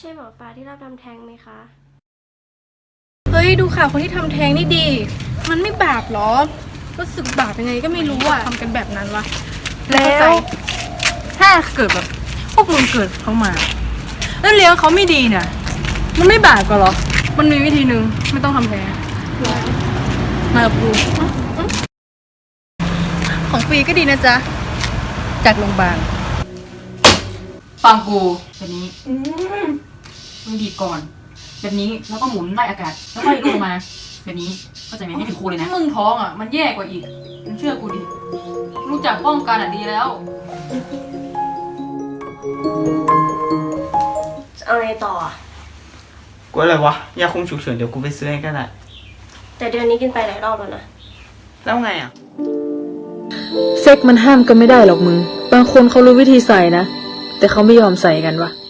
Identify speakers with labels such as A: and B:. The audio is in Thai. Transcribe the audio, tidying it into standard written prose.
A: ช่หมอฟ้าที่รับทำแท้งไหมคะ
B: เฮ้ยดูข่าวคนที่ทำแท้งนี่ดี มันไม่บาปหรอรู้สึกบาปยังไงก็ไม่รู้อ่ะทำกันแบบนั้นวะ
C: แล้วถ้าเกิดแบบพวกมึงเกิดเขามา แล้วเลี้ยงเขาไม่ดีเนี่ยมันไม่บาปกันหรอ
B: มันมีวิธีหนึ่งไม่ต้องทำแท้ง
C: มากับกูของฟรีก็ดีนะจ๊ะจากโรงพยาบาลฟังกูแบบนี้มึงดีดก่อนแบบนี้แล้วก็หมุนไล่อากาศแล้วค่อยลงมาแบบนี้เข้าใจไหมให้ถึงครูเลยนะมึงท้องอ่ะมันแย่กว่าอีกมึงเชื่อกูดิรู้จักป้องกันอ่ะดีแล้ว
A: เอาไงต่ออะ
D: กูอะไรวะยาคุมฉุกเฉินเดี๋ยวกูไปซื้อให้ก็ได้
A: แต่เดือนนี้กินไปหลายรอบแล้วนะ
D: แล้วไงอ่ะ
E: เซ็กมันห้ามกันไม่ได้หรอกมึง บางคนเขารู้วิธีใส่นะ แต่เขาไม่ยอมใส่กันวะ